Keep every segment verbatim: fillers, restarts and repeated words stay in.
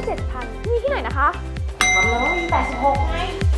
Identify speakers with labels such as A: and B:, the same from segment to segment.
A: เจ็ดพันนี่ที่ไหนนะคะ
B: ทำแล้วมีแปดสิบหกไง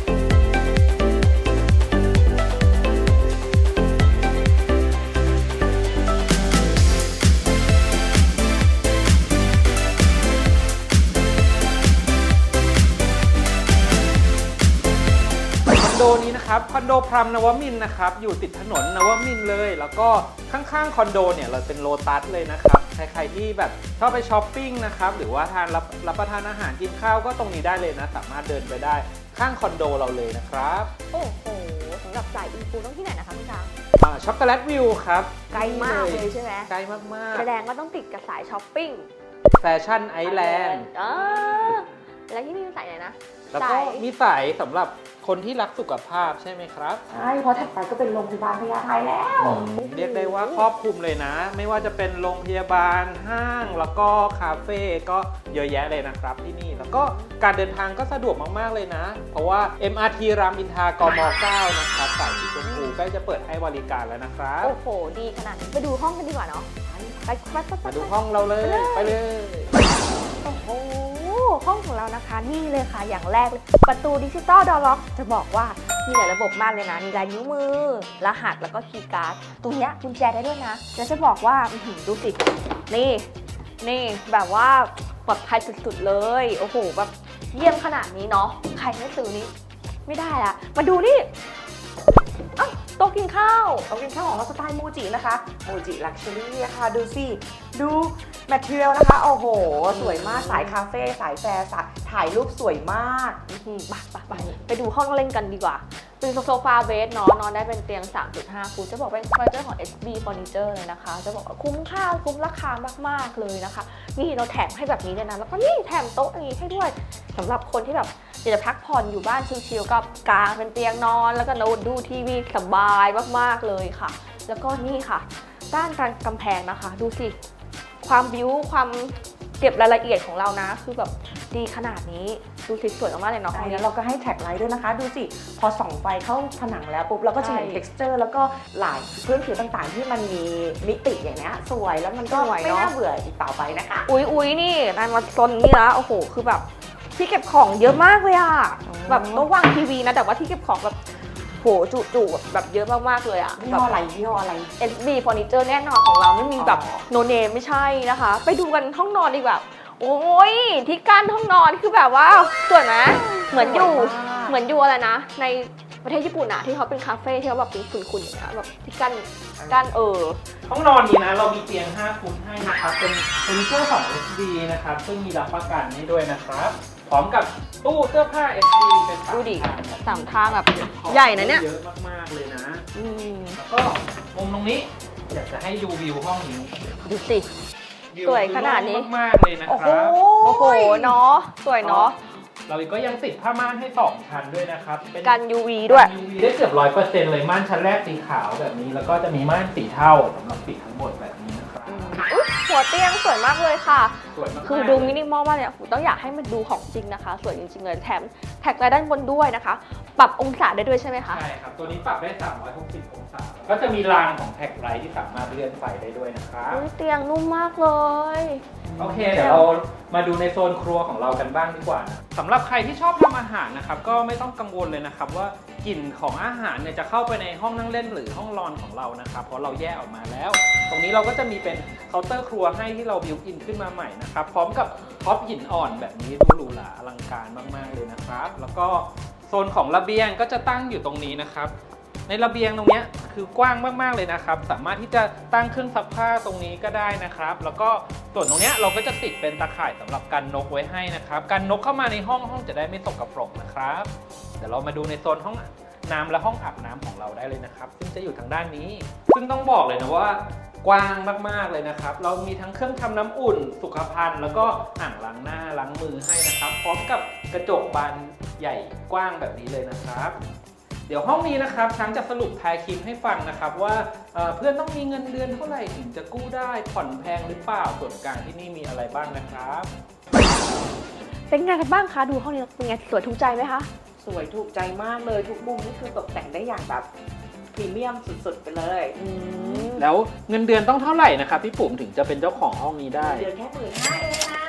C: คอนโดนี้นะครับคอนโดพรัมนวมินทร์นะครับอยู่ติดถนนนวมินทร์เลยแล้วก็ข้างๆคอนโดเนี่ยเราเป็นโลตัสเลยนะครับใครๆที่แบบชอบไปช้อปปิ้งนะครับหรือว่าทานรับรับประทานอาหารกินข้าวก็ตรงนี้ได้เลยนะสามารถเดินไปได้ข้างคอนโดเราเลยนะครับ
A: โอ้โหสำหรับสายอินฟูต้องที่ไหนนะคะพี่ช้าง
C: ช็อกโกแลตวิวครับ
A: ไกลมากเลยใช่ไหม
C: ไกลมากๆ
A: แสดงว่าต้องติดกับสายช้อปปิ้ง
C: แฟชั่นไอแลนด์
A: อ่าแล้วที่นี่มีสายไหนนะ
C: แล้วก็มีสายสำหรับคนที่รักสุขภาพใช่ไหมครับ
B: ใช่เพราะถัดไปก็เป็นโรงพยาบาลพญาไทแล้ว
C: เรียกได้ว่าครอบคลุมเลยนะไม่ว่าจะเป็นโรงพยาบาลห้างแล้วก็คาเฟ่ก็เยอะแยะเลยนะครับที่นี่แล้วก็การเดินทางก็สะดวกมากๆเลยนะเพราะว่า เอ็ม อาร์ ที รามอินทรากม เก้านะครับสายสีชมพูใกล้จะเปิดให้บริการแล้วนะครับ
A: โอ้โหดีขนาดนี้ไปดูห้องกันดีกว่าเนาะไปไปไป
C: มาดูห้องเราเลยไปเลย
A: โอ้โหห้องของเรานะคะนี่เลยค่ะอย่างแรกเลยประตูดิจิตอลดอร์ล็อกจะบอกว่ามีหลายระบบมากเลยนะมีลายนิ้วมือรหัสแล้วก็คีย์การ์ดตรงเนี้ยกุญแจได้ด้วยนะแล้วจะบอกว่าดูสินี่นี่แบบว่าปลอดภัยสุดๆเลยโอ้โหแบบเยี่ยมขนาดนี้เนาะใครไม่ซื้อนี้ไม่ได้ละมาดูนี่อ้าวโต๊ะกินข้าว
B: โต๊ะกินข้าวของเราสไตล์มูจินะคะมูจิลักชัวรี่นะคะดูสิดูแมทเทียลนะคะโอ้โหสวยมากสายคาเฟ่สายแฟร์ถ่ายรูปสวยมาก
A: บักบักบักไปดูห้องเล่นกันดีกว่าเป็นโซฟาเบสเนาะนอนได้เป็นเตียง สามจุดห้า ฟุตจะบอกเป็นเฟอร์นิเจอร์ของ เอส บี Furniture เลยนะคะจะบอกว่าคุ้มค่าคุ้มราคามากๆเลยนะคะนี่เราแถมให้แบบนี้เลยนะแล้วก็นี่แถมโต๊ะอย่างนี้ให้ด้วยสำหรับคนที่แบบอยากจะพักผ่อนอยู่บ้านชิลๆก็กางเป็นเตียงนอนแล้วก็นอนดูทีวีสบายมากๆเลยค่ะแล้วก็นี่ค่ะด้านกำแพงนะคะดูสิความบิวความเก็บรายละเอียดของเรานะคือแบบดีขนาดนี้ดูสวยๆมากๆเลยเนาะ
B: ใช่แล้วเราก็ให้แท็กไลท์ด้วยนะคะดูสิพอส่องไฟเข้าผนังแล้วปุ๊บเราก็จะเห็น texture แล้วก็ลายพื้นผิวต่างๆที่มันมีมิติอย่างนี้สวยแล้วมันก็ไม่น่าเบื่ออีกต่อไปนะคะ
A: อุ๊ยอุ๊ยนี่นายมาซนนี่ละโอ้โหคือแบบที่เก็บของเยอะมากเลยอะแบบต้องวางทีวีนะแต่ว่าที่เก็บของแบบโหจุๆแบบเยอะมากๆเลยอะ
B: ยี่ห้ออะไรยี่ห้ออะไร
A: เอส บี Furniture แน่นอนของเราไม่มีแบบโนเนมไม่ใช่นะคะไปดูกันห้องนอนดีกว่าโอ้ยที่กั้นห้องนอนคือแบบว่าสวยนะเหมือนอยู่เหมือนอยู่อะไรนะในประเทศญี่ปุ่นอะที่เขาเป็นคาเฟ่ที่เขาแบบเป็นขุ่นๆอย่างเงี้ยแบบที่กั้นกั้นเออ
C: ห้องนอนนี้นะเรามีเตียงห้าฟุตให้นะครับเป็นเฟอร์นิเจอร์ของ เอส บี นะครับซึ่งมีรับประกันให้ด้วยนะครับพร้อมกับตู้เสื้อผ้า เอส บี เป็นสามทาง
A: สามทางแบบใหญ่นะเนี่ย
C: เยอะมากๆเลยนะแล้วก็มุมตรงนี้อยากจะให้ดูวิวห้องนี้
A: ดูสิสวยขนาดนี้
C: มากๆเลยนะครับ
A: โอ้โหเนาะสวยเนาะ
C: เราก็ยังติดผ้าม่านให้สองชั้นด้วยนะครับ
A: เป็นกัน ยู วี ด้วย
C: ยู วี ได้เกือบร้อยเปอร์เซ็นต์เลยม่านชั้นแรกสีขาวแบบนี้แล้วก็จะมีม่านสีเทาสำหรับปิดทั้งหมดแบบนี้นะครับ
A: หัวเตียงสวยมากเลยค่ะ
C: สวยมาก
A: คือดูมินิมอลมากเนี่ยต้องอยากให้มันดูของจริงนะคะสวยจริงๆเลยแถมแท็กไลน์ด้านบนด้วยนะคะปรับองศาได้ด้วยใช่ไหมคะ
C: ใช่ครับตัวนี้ปรับได้สามร้อยหกสิบองศาก็จะมีรางของแท็กไลท์ที่สามารถเลื่อนไฟได้ด้วยนะครับ
A: เตียงนุ่มมากเลย
C: โอเคเดี๋ยวเรามาดูในโซนครัวของเรากันบ้างดีกว่านะสำหรับใครที่ชอบทำอาหารนะครับก็ไม่ต้องกังวลเลยนะครับว่ากลิ่นของอาหารเนี่ยจะเข้าไปในห้องนั่งเล่นหรือห้องนอนของเรานะครับเพราะเราแยกออกมาแล้วตรงนี้เราก็จะมีเป็นเคาน์เตอร์ครัวให้ที่เราบิวอินขึ้นมาใหม่นะครับพร้อมกับท็อปหินอ่อนแบบนี้ดูหรูหราอลังการมากๆเลยนะครับแล้วก็โซนของระเบียงก็จะตั้งอยู่ตรงนี้นะครับในระเบียงตรงนี้คือกว้างมากๆเลยนะครับสามารถที่จะตั้งเครื่องซักผ้าตรงนี้ก็ได้นะครับแล้วก็ส่วนตรงนี้เราก็จะติดเป็นตะข่ายสำหรับกันนกไว้ให้นะครับกันนกเข้ามาในห้องห้องจะได้ไม่ตกกระปรกนะครับเดี๋ยวเรามาดูในโซนห้องน้ำและห้องอาบน้ำของเราได้เลยนะครับซึ่งจะอยู่ทางด้านนี้ซึ่งต้องบอกเลยนะว่ากว้างมากๆเลยนะครับเรามีทั้งเครื่องทำน้ำอุ่นสุขภัณฑ์แล้วก็อ่างล้างหน้าล้างมือให้นะครับพร้อมกับกระจกบานใหญ่กว้างแบบนี้เลยนะครับเดี๋ยวห้องนี้นะครับช้างจะสรุปทายคลิปให้ฟังนะครับว่า เ, เพื่อนต้องมีเงินเดือนเท่าไหร่ถึงจะกู้ได้ผ่อนแพงหรือเปล่าส่วนกลางที่นี่มีอะไรบ้างนะครับ
A: เป็นไงกันบ้างคะดูห้องนี้เป็นไงสวยถูกใจไหมคะ
B: สวยถูกใจมากเลยทุกมุมนี่คือตกแต่งได้อย่างแบบพรีเมียมสุดๆไปเลย
C: แล้วเงินเดือนต้องเท่าไหร่นะครับพี่ปุ๋มถึงจะเป็นเจ้าของห้องนี้ได้
B: เดือนแค่หมื่นห้าเองนะ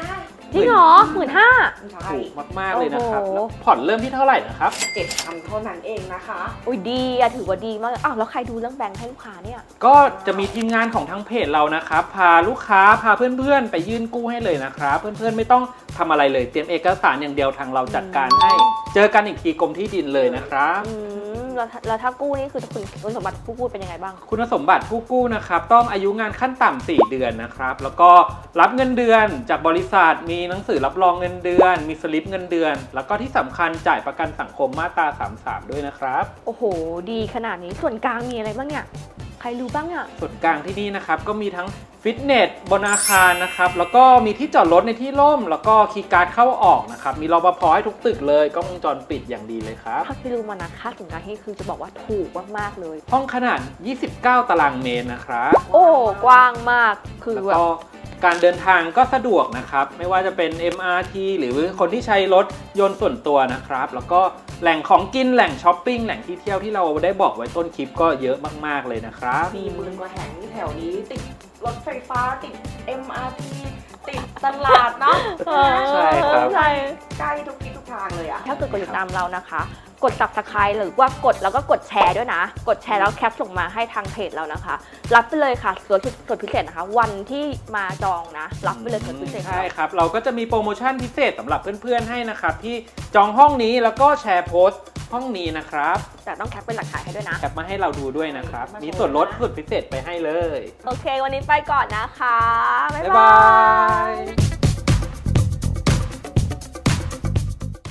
A: จริงเหรอหมื่นห้า
B: ใช่
C: ถูกมากๆเลยนะครับ
A: โอ้โห
C: แล้วผ่อนเริ่มที่เท่าไหร่นะครับ
B: เจ็ดพันเท่านั้นเองนะคะ
A: อุ้ยดีอะถือว่าดีมากเลยอ้าวแล้วใครดูเรื่องแบงค์ให้ลูกค้าเนี่ย
C: ก็จะมีทีมงานของทางเพจเรานะครับพาลูกค้าพาเพื่อนๆ ไปยื่นกู้ให้เลยนะครับ เพื่อนๆไม่ต้องทำอะไรเลยเตรียมเอกสารอย่างเดียวทางเราจัดการให้ เจอกันอีกทีกรมที่ดินเลยนะครับ
A: อืมแล้วถ้าแล้วถ้ากู้นี่คือคุณคุณสมบัติผู้กู้เป็นยังไงบ้าง
C: คุณสมบัติผู้กู้นะครับต้องอายุงานขั้นต่ำสี่เดือนนะครับแล้วก็รับเงินเดือนจากบริษัทมีหนังสือรับรองเงินเดือน มีสลิปเงินเดือน แล้วก็ที่สำคัญจ่ายประกันสังคมมาตราสามสิบสามด้วยนะครับ
A: โอ้โห ดีขนาดนี้ส่วนกลางมีอะไรบ้างเนี่ยใครรู้บ้างอะ
C: ส่วนกลางที่นี่นะครับก็มีทั้งฟิตเนสบนอาคารนะครับแล้วก็มีที่จอดรถในที่ร่ม แล้วก็คีย์การ์ดเข้าออกนะครับมีรปภให้ทุกตึกเลยกล้องวงจรปิดอย่างดีเลยครับ
A: ถ้าที่รู้มานะค่าส่วนกลางที่คือจะบอกว่าถูกมากๆเลย
C: ห้องขนาดยี่สิบเก้าตารางเมตรนะครับ
A: โอ้กว้างมากคือ
C: แล้ว
A: แบบ
C: ก็การเดินทางก็สะดวกนะครับไม่ว่าจะเป็น เอ็ม อาร์ ที หรือคนที่ใช้รถยนต์ส่วนตัวนะครับแล้วก็แหล่งของกินแหล่งช้อปปิ้งแหล่งที่เที่ยวที่เราได้บอกไว้ต้นคลิปก็เยอะมากๆเลยนะครับ
B: มีหมื่นกว่าแห่งแถวนี้ติดรถไฟฟ้าติด เอ็ม อาร์ ที ติดตลาดเนาะ
C: ใช่ครับ
A: ใช่
B: ใกล้ทุกที่ทุกทางเลยอะ
A: ถ้าเกิดกดติดตามเรานะคะ กด subscribe หรือว่ากดแล้วก็กดแชร์ด้วยนะ กดแชร์แล้วแคปส่งมาให้ทางเพจเรานะคะ รับไปเลยค่ะส่วนส่วนพิเศษนะคะ วันที่มาจองนะ รับไปเลยส่วนพิเศษ
C: ใช่ครับ เราก็จะมีโปรโมชั่นพิเศษสำหรับเพื่อนๆให้นะครับ ที่จองห้องนี้แล้วก็แชร์โพสต์ห้องนี้นะครับ
A: แต่ต้องแคปเป็นหลักฐานให้ด้วยนะ
C: แคปมาให้เราดูด้วยนะครับ มีส่วนลดสุดพิเศษไปให้เลย
A: โอเค วันนี้ไปก่อนนะคะ บ๊าย
C: บ๊าย
A: บา
C: บาย ย